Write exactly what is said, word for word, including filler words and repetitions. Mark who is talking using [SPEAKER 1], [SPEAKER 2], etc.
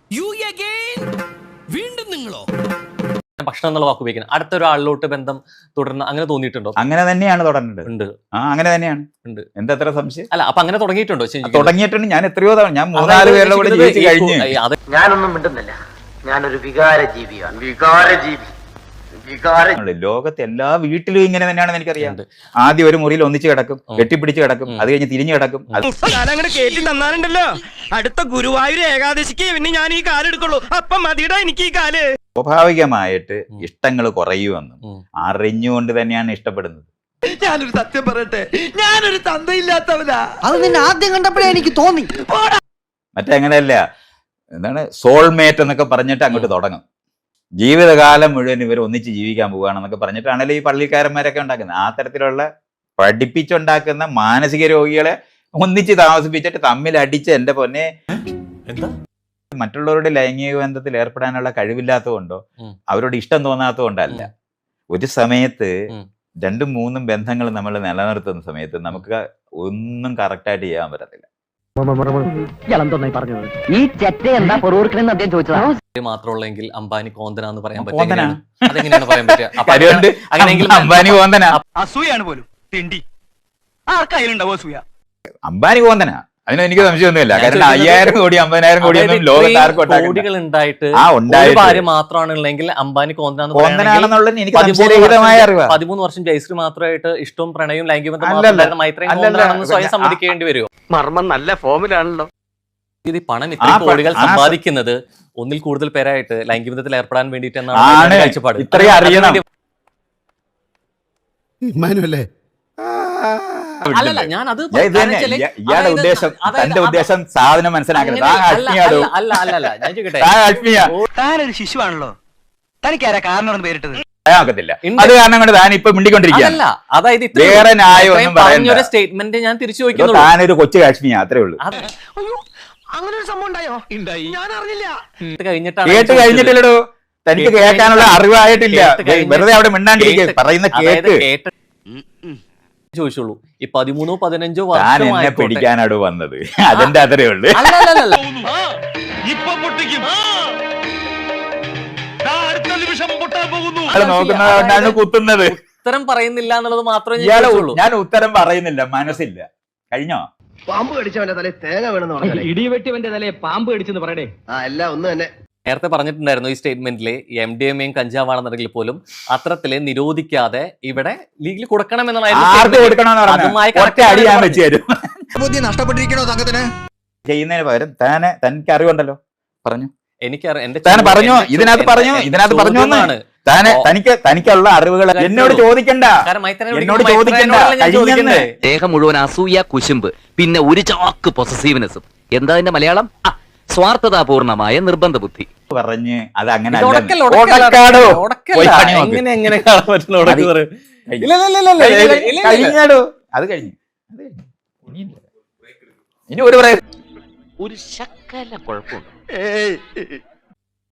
[SPEAKER 1] വീണ്ടും നിങ്ങളോ?
[SPEAKER 2] ഭക്ഷണം എന്നുള്ള വാക്ക് ഉപയോഗിക്കുന്നത് അടുത്തൊരാളിലോട്ട് ബന്ധം തുടർന്ന് അങ്ങനെ തോന്നിയിട്ടുണ്ടോ?
[SPEAKER 3] അങ്ങനെ തന്നെയാണ് തുടങ്ങേണ്ടത്.
[SPEAKER 2] ഉണ്ട്.
[SPEAKER 3] ആ അങ്ങനെ തന്നെയാണ്.
[SPEAKER 2] ഉണ്ട്.
[SPEAKER 3] എന്താ എത്ര സംശയം?
[SPEAKER 2] അല്ല, അപ്പൊ അങ്ങനെ തുടങ്ങിയിട്ടുണ്ടോ?
[SPEAKER 3] തുടങ്ങിയിട്ടുണ്ട്. ഞാൻ എത്രയോ തവണ, ഞാൻ മൂന്നാല് പേരുടെ കൂടെ ജീവിച്ച് കഴിഞ്ഞു.
[SPEAKER 4] ഞാനൊന്നും മിണ്ടുന്നില്ല. ഞാനൊരു വികാര ജീവിയാണ്. വികാര ജീവി.
[SPEAKER 3] ലോകത്തെ എല്ലാ വീട്ടിലും ഇങ്ങനെ തന്നെയാണെന്ന് എനിക്കറിയാം. ആദ്യം ഒരു മുറിയിൽ ഒന്നിച്ച് കിടക്കും, കെട്ടിപ്പിടിച്ച് കിടക്കും, അത് കഴിഞ്ഞ് തിരിഞ്ഞു കിടക്കും.
[SPEAKER 5] അങ്ങനെ കേട്ടി തന്നാലുണ്ടല്ലോ അടുത്ത ഗുരുവായൂർ ഏകാദശിക്ക് പിന്നെ ഞാൻ ഈ കാലെടുക്കുള്ളൂ. അപ്പം മതിയുടെ എനിക്ക് ഈ കാല്.
[SPEAKER 3] സ്വാഭാവികമായിട്ട് ഇഷ്ടങ്ങൾ കുറയുമെന്നും അറിഞ്ഞുകൊണ്ട് തന്നെയാണ് ഇഷ്ടപ്പെടുന്നത്.
[SPEAKER 5] ഞാനൊരു സത്യം പറയട്ടെ, ഞാനൊരു തന്തയില്ലാത്തവനാ.
[SPEAKER 4] അത് നിന്നെ ആദ്യം കണ്ടപ്പോഴേ എനിക്ക് തോന്നി.
[SPEAKER 3] മറ്റങ്ങനെയല്ല, എന്താണ് സോൾമേറ്റ് എന്നൊക്കെ പറഞ്ഞിട്ട് അങ്ങോട്ട് തുടങ്ങും. ജീവിതകാലം മുഴുവൻ ഇവർ ഒന്നിച്ച് ജീവിക്കാൻ പോവുകയാണെന്നൊക്കെ പറഞ്ഞിട്ടാണല്ലോ ഈ പള്ളിക്കാരന്മാരൊക്കെ ഉണ്ടാക്കുന്നത്. ആ തരത്തിലുള്ള പഠിപ്പിച്ചുണ്ടാക്കുന്ന മാനസിക രോഗികളെ ഒന്നിച്ച് താമസിപ്പിച്ചിട്ട് തമ്മിൽ അടിച്ച് എന്റെ പൊന്നെ
[SPEAKER 2] എന്താ
[SPEAKER 3] മറ്റുള്ളവരുടെ ലൈംഗിക ബന്ധത്തിൽ ഏർപ്പെടാനുള്ള കഴിവില്ലാത്തതുകൊണ്ടോ അവരോട് ഇഷ്ടം തോന്നാത്തതുകൊണ്ടല്ല. ഒരു സമയത്ത് രണ്ടും മൂന്നും ബന്ധങ്ങൾ നമ്മൾ നിലനിർത്തുന്ന സമയത്ത് നമുക്ക് ഒന്നും കറക്റ്റായിട്ട് ചെയ്യാൻ പറ്റത്തില്ല.
[SPEAKER 4] ഈ ചെറ്റ എന്താ പൊറൂർക്കണെന്ന് അദ്ദേഹം ചോദിച്ചതാ.
[SPEAKER 2] മാത്രമുള്ളെങ്കിൽ അംബാനി കോന്തന എന്ന് പറയാൻ പറ്റില്ല. അതെങ്ങനെയാണ് പറയാൻ പറ്റുക?
[SPEAKER 3] അംബാനി കോന്തന
[SPEAKER 5] അസൂയാണ് പോലും തിണ്ടി. ആർക്കായാലുണ്ടാവും അസൂയ.
[SPEAKER 3] അംബാനി കോന്തന, അതിന് എനിക്ക് സംശയമൊന്നുമില്ല. കാരണം അയ്യായിരം കോടി അമ്പതിനായിരം കോടിയൊന്നും ലോകത്ത് ആർക്കും
[SPEAKER 2] കോടികൾ ഉണ്ടായിട്ട് ഒരു ഭാര്യ മാത്രമാണ് ഉള്ളെങ്കിൽ അംബാനി
[SPEAKER 3] കോന്തനാണെന്നുള്ളത് എനിക്ക് സംശയരഹിതമായ അറിവാ.
[SPEAKER 2] പതിമൂന്ന് വർഷം ജയശ്രീ മാത്രമായിട്ട് ഇഷ്ടവും പ്രണയവും ലൈംഗിക ബന്ധം മൈത്രയും കോന്തനാണെന്ന് സ്വയം സമ്മതിക്കേണ്ടി വരുമോ?
[SPEAKER 5] മർമ്മം നല്ല ഫോമിലാണല്ലോ.
[SPEAKER 2] ഇത് പണം ഇത്ര കോടികൾ സമ്പാദിക്കുന്നത് ഒന്നിൽ കൂടുതൽ പേരായിട്ട് ലൈംഗിക ബന്ധത്തിൽ ഏർപ്പെടാൻ വേണ്ടിയിട്ട് എന്നാണ് കാഴ്ചപ്പാട്.
[SPEAKER 3] ഇത്രയും അറിയണം.
[SPEAKER 2] അല്ലല്ല, ഞാൻ അത്
[SPEAKER 3] ഇയാളുടെ ഉദ്ദേശം, തന്റെ ഉദ്ദേശം സാധനം മനസ്സിലാക്കുന്നത്.
[SPEAKER 5] താനൊരു ശിശുവാണല്ലോ, തനിക്കാരാ കാരണം പേരിട്ടത്
[SPEAKER 3] ത്തില്ല. അത് കാരണം കൊണ്ട് താൻ ഇപ്പൊ മിണ്ടിക്കൊണ്ടിരിക്കുകയാണ്.
[SPEAKER 2] അതായത്
[SPEAKER 3] വേറെ ന്യായമൊന്നും പറയുന്ന
[SPEAKER 2] സ്റ്റേറ്റ്മെന്റ് ഞാൻ തിരിച്ചു ചോദിക്കുന്നു.
[SPEAKER 3] താനൊരു കൊച്ചു കാശ്മീർ, അത്രേ ഉള്ളൂ.
[SPEAKER 5] അങ്ങനെ ഒരു സംഭവം ഉണ്ടായോ? ഞാൻ അറിഞ്ഞില്ല.
[SPEAKER 3] കേട്ട് കഴിഞ്ഞിട്ടില്ലടോ, തനിക്ക് കേൾക്കാനുള്ള അറിവായിട്ടില്ല. വെറുതെ അവിടെ മിണ്ടാണ്ടിരിക്കുക, പറയുന്ന കേട്ട്
[SPEAKER 2] ചോദിച്ചോളൂ. ഈ പതിമൂന്നോ പതിനഞ്ചോ
[SPEAKER 3] താൻ എന്നെ പിടിക്കാനാണ് വന്നത്, അതിന്റെ അത്രേ ഉള്ളു. നോക്കുന്നതാണ് കുത്തുന്നത്.
[SPEAKER 2] ഉത്തരം പറയുന്നില്ല എന്നുള്ളത് മാത്രമേ
[SPEAKER 3] ഞാൻ ഉത്തരം പറയുന്നില്ല, മനസ്സില്ല. കഴിഞ്ഞോ?
[SPEAKER 4] പാമ്പ് കടിച്ചവന്റെ തലേ തേങ്ങ വേണമെന്ന് പറഞ്ഞു.
[SPEAKER 6] ഇടിവെട്ടിവന്റെ തലേ പാമ്പ് കടിച്ചെന്ന് പറയണേ.
[SPEAKER 4] ആ എല്ലാം ഒന്ന് തന്നെ.
[SPEAKER 2] നേരത്തെ പറഞ്ഞിട്ടുണ്ടായിരുന്നു ഈ സ്റ്റേറ്റ്മെന്റില് എം ഡി എം എയും കഞ്ചാവാണെന്നുണ്ടെങ്കിൽ പോലും അത്രത്തില് നിരോധിക്കാതെ ഇവിടെ ലീഗിൽ കൊടുക്കണം
[SPEAKER 3] ചെയ്യുന്നതിന് പകരം താനെ തനിക്ക് അറിവുണ്ടല്ലോ, പറഞ്ഞു.
[SPEAKER 2] എനിക്കറിയാം, എന്റെ
[SPEAKER 3] പറഞ്ഞു ഇതിനകത്ത് പറഞ്ഞു ഇതിനകത്ത് പറഞ്ഞു താനെ തനിക്ക് തനിക്കുള്ള അറിവുകൾ എന്നോട് ചോദിക്കണ്ട, എന്നോട് ചോദിക്കണ്ട.
[SPEAKER 7] ദേഹം മുഴുവൻ അസൂയ, കുശുമ്പ്, പിന്നെ ഒരു ചാക്ക് പൊസസീവ്നെസ്സും. എന്താ അതിന്റെ മലയാളം? സ്വാർത്ഥതാപൂർണമായ നിർബന്ധ ബുദ്ധി പറഞ്ഞ് അത് അങ്ങനെ
[SPEAKER 3] കഴിഞ്ഞാടോ. അത് കഴിഞ്ഞു. ഇനി ഒരു പറയാ
[SPEAKER 7] ഒരു ശക്കല കുഴപ്പമുണ്ട്.